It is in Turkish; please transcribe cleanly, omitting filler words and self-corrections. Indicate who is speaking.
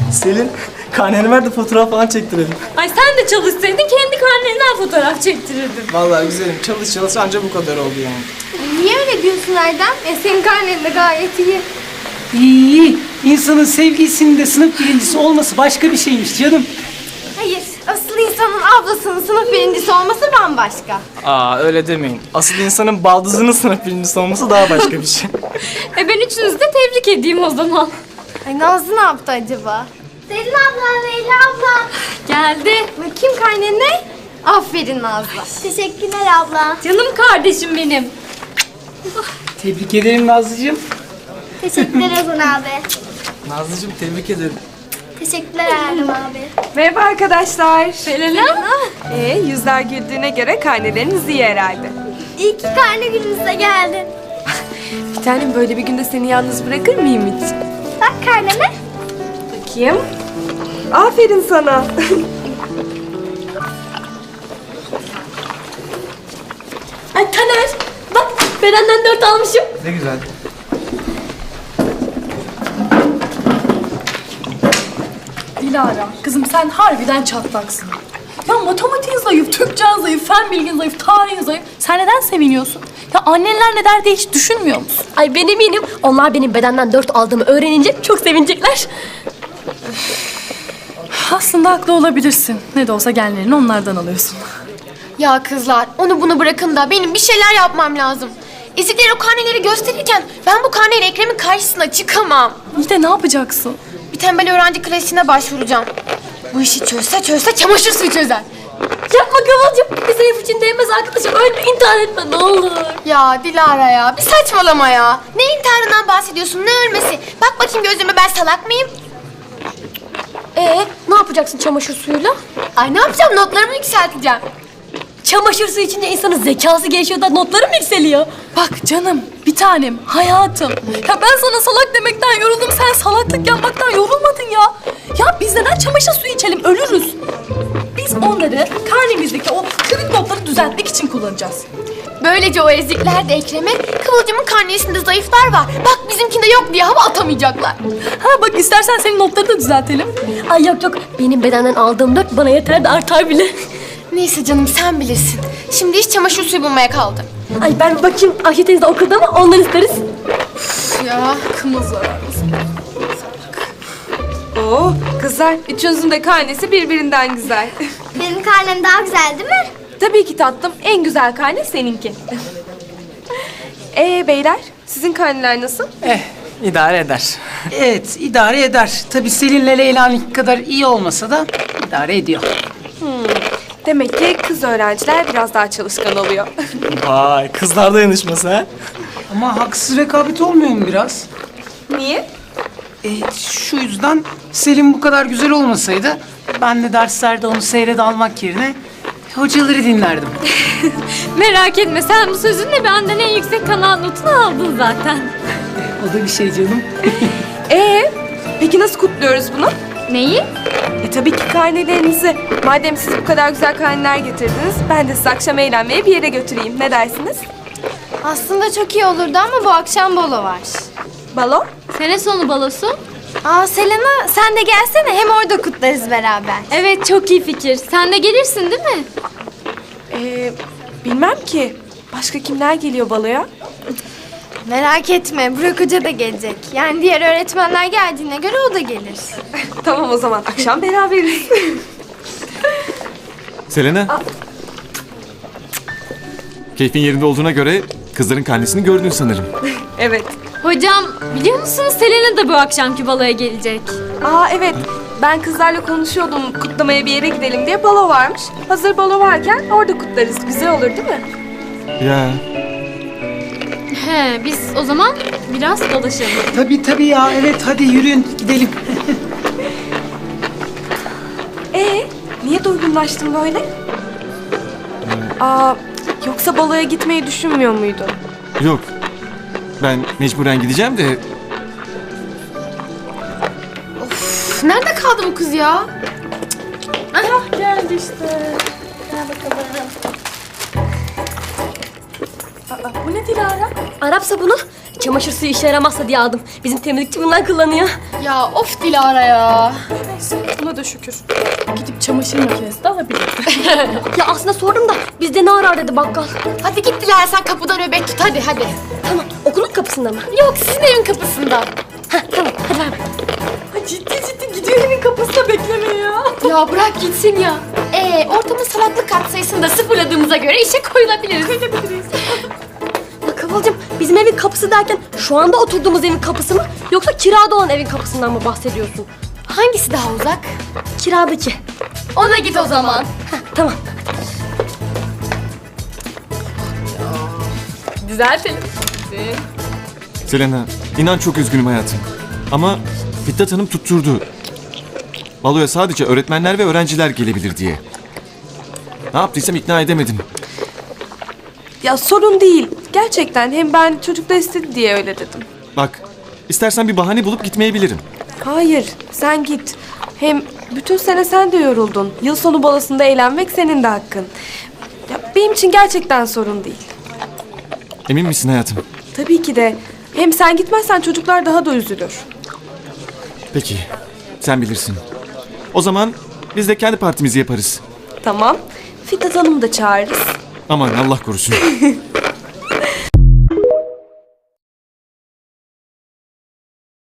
Speaker 1: Selin, karneni ver de fotoğraf falan çektirelim.
Speaker 2: Ay sen de çalışsaydın kendi karneninden fotoğraf çektirirdin.
Speaker 1: Vallahi güzelim, çalış anca bu kadar oldu yani.
Speaker 3: Niye öyle diyorsun Erdem? Senin karnen de gayet iyi.
Speaker 4: İyi. İnsanın sevgilisinin de sınıf birincisi olması başka bir şeymiş canım.
Speaker 3: Hayır, asıl insanın ablasının sınıf birincisi olması bambaşka.
Speaker 1: Aa öyle demeyin. Asıl insanın baldızının sınıf birincisi olması daha başka bir şey.
Speaker 2: Ben üçünüzü de tebrik edeyim o zaman.
Speaker 3: Ay Nazlı ne yaptı acaba? Selin abla, Leyla abla.
Speaker 2: Geldi.
Speaker 3: Bakayım karnene. Aferin Nazlı. Teşekkürler abla.
Speaker 2: Canım kardeşim benim.
Speaker 4: Tebrik ederim Nazlıcığım.
Speaker 3: Teşekkürler Ozan abi.
Speaker 1: Nazlıcığım tebrik ederim.
Speaker 3: Teşekkürler Erdem abi.
Speaker 5: Merhaba arkadaşlar.
Speaker 2: Selena.
Speaker 5: Yüzler güldüğüne göre karneleriniz iyi herhalde.
Speaker 3: İyi ki karne gününüze geldin.
Speaker 5: Bir tanem böyle bir günde seni yalnız bırakır mıyım hiç?
Speaker 3: Bak karnene.
Speaker 5: Bakayım. Aferin sana.
Speaker 2: Ay Taner. Bak Beren'den 4 almışım.
Speaker 1: Ne güzel.
Speaker 6: Dilara, kızım sen harbiden çatlaksın. Ya matematiğin zayıf, Türkçen zayıf, fen bilgin zayıf, tarihin zayıf. Sen neden seviniyorsun? Ya annenler ne der diye hiç düşünmüyor musun?
Speaker 2: Ay ben eminim onlar benim bedenden 4 aldığımı öğrenince çok sevinecekler.
Speaker 6: Aslında haklı olabilirsin. Ne de olsa genlerini onlardan alıyorsun.
Speaker 3: Ya kızlar onu bunu bırakın da benim bir şeyler yapmam lazım. Ezikler o karneleri gösterirken ben bu karneyle Ekrem'in karşısına çıkamam.
Speaker 6: İyi de ne yapacaksın?
Speaker 3: Bir tembel öğrenci klasiğine başvuracağım. Bu işi çözse çamaşır suyu çözer.
Speaker 2: Yapma Kıvılcım. Bir zayıf için değmez arkadaşım. Önce intihar etme ne olur.
Speaker 3: Ya Dilara ya bir saçmalama ya. Ne intiharından bahsediyorsun ne ölmesi? Bak bakayım gözüme ben salak mıyım?
Speaker 2: Ne yapacaksın çamaşır suyuyla?
Speaker 3: Ay ne yapacağım notlarımı yükselteceğim.
Speaker 2: Çamaşır suyu içince insanın zekası gelişiyor da notları mı yükseliyor?
Speaker 6: Bak canım, bir tanem, hayatım. Ya ben sana salak demekten yoruldum. Sen salaklık yapmaktan yorulmadın ya. Ya biz neden çamaşır suyu içelim? Ölürüz. Biz onları karnemizdeki o kırık notları düzeltmek için kullanacağız.
Speaker 3: Böylece o ezikler de Ekrem'e Kıvılcım'ın karnesinde zayıflar var. Bak bizimkinde yok diye hava atamayacaklar.
Speaker 6: Ha bak istersen senin notları da düzeltelim.
Speaker 2: Ay yok benim bedenden aldığım 4 bana yeter de artar bile.
Speaker 3: Neyse canım sen bilirsin. Şimdi iş çamaşır suyu bulmaya kaldı.
Speaker 2: Ay ben bir bakayım Ayşe teyze de okulda mı ondan isteriz.
Speaker 3: Ya
Speaker 6: Kımız var.
Speaker 5: Oo, kızlar üçünüzün de karnesi birbirinden güzel.
Speaker 3: benim karnem daha güzel değil mi?
Speaker 5: Tabii ki tatlım. En güzel karne seninki. Beyler sizin karneler nasıl?
Speaker 1: İdare eder.
Speaker 4: Evet, idare eder. Tabii Selin'le Leyla'nınki kadar iyi olmasa da idare ediyor.
Speaker 5: Demek ki kız öğrenciler biraz daha çalışkan oluyor.
Speaker 1: Vay, kızlar dayanışması ha.
Speaker 4: Ama haksız rekabet olmuyor mu biraz?
Speaker 5: Niye?
Speaker 4: Şu yüzden Selin bu kadar güzel olmasaydı ben de derslerde onu seyrede almak yerine hocaları dinlerdim.
Speaker 2: Merak etme sen bu sözünle benden en yüksek kanal notunu aldın zaten.
Speaker 4: O da bir şey canım.
Speaker 5: Peki nasıl kutluyoruz bunu?
Speaker 2: Neyi?
Speaker 5: Tabii ki karnelerinizi. Madem siz bu kadar güzel karneler getirdiniz, ben de sizi akşam eğlenmeye bir yere götüreyim. Ne dersiniz?
Speaker 3: Aslında çok iyi olurdu ama bu akşam balo var.
Speaker 5: Balo?
Speaker 2: Sene sonu balosu.
Speaker 3: Aa Selena sen de gelsene hem orada kutlarız beraber.
Speaker 2: Evet çok iyi fikir. Sen de gelirsin değil mi?
Speaker 5: Bilmem ki. Başka kimler geliyor baloya?
Speaker 3: Merak etme Burak Hoca da gelecek. Yani diğer öğretmenler geldiğine göre o da gelir.
Speaker 5: Tamam o zaman akşam beraberiz.
Speaker 7: Selena. Keyfin yerinde olduğuna göre kızların karnesini gördün sanırım.
Speaker 5: Evet.
Speaker 2: Hocam biliyor musunuz Selena da bu akşamki baloya gelecek.
Speaker 5: Evet. Ben kızlarla konuşuyordum kutlamaya bir yere gidelim diye balo varmış. Hazır balo varken orada kutlarız. Güzel olur değil mi?
Speaker 7: Ya
Speaker 2: Biz o zaman biraz dolaşalım.
Speaker 4: Tabii ya, evet hadi yürüyün gidelim.
Speaker 5: Niye durgunlaştın böyle? Yoksa baloya gitmeyi düşünmüyor muydun?
Speaker 7: yok. Ben mecburen gideceğim de
Speaker 3: Üf, nerede kaldı bu kız ya?
Speaker 6: Geldi işte. Gel bakalım. Bu ne Dilara?
Speaker 2: Arap sabunu
Speaker 8: Çamaşır suyu işe yaramazsa diye aldım. Bizim temizlikçi bundan kullanıyor.
Speaker 3: Ya of Dilara ya.
Speaker 6: Buna da şükür. Gidip çamaşır makinesi de alabiliriz.
Speaker 8: Ya aslında sordum da bizde ne arar dedi bakkal.
Speaker 3: Hadi git Dilara, sen kapıda nöbet tut, hadi hadi.
Speaker 8: Tamam, okulun kapısında mı?
Speaker 3: Yok, sizin evin kapısında.
Speaker 8: Tamam, hadi ver.
Speaker 6: Ciddi gidiyor evin kapısında beklemeye ya.
Speaker 3: Ya bırak gitsin ya. Ortamın salaklık katsayısını da sıfırladığımıza göre işe koyulabiliriz.
Speaker 8: Ya Kıvılcım, bizim evin kapısı derken şu anda oturduğumuz evin kapısı mı? Yoksa kirada olan evin kapısından mı bahsediyorsun?
Speaker 3: Hangisi daha uzak?
Speaker 8: Kiradaki.
Speaker 3: Ona git o zaman.
Speaker 8: Tamam.
Speaker 6: Düzeltelim.
Speaker 7: Selena, inan çok üzgünüm hayatım. Ama Fitnat Hanım tutturdu. Baloya sadece öğretmenler ve öğrenciler gelebilir diye. Ne yaptıysam ikna edemedim.
Speaker 5: Ya sorun değil. Gerçekten hem ben çocuklar istedi diye öyle dedim.
Speaker 7: Bak, istersen bir bahane bulup gitmeyebilirim.
Speaker 5: Hayır, sen git. Hem bütün sene sen de yoruldun. Yıl sonu balosunda eğlenmek senin de hakkın. Ya benim için gerçekten sorun değil.
Speaker 7: Emin misin hayatım?
Speaker 5: Tabii ki de. Hem sen gitmezsen çocuklar daha da üzülür.
Speaker 7: Peki, sen bilirsin. O zaman biz de kendi partimizi yaparız.
Speaker 5: Tamam. Fitnat Hanım'ı da çağırırız.
Speaker 7: Aman Allah korusun.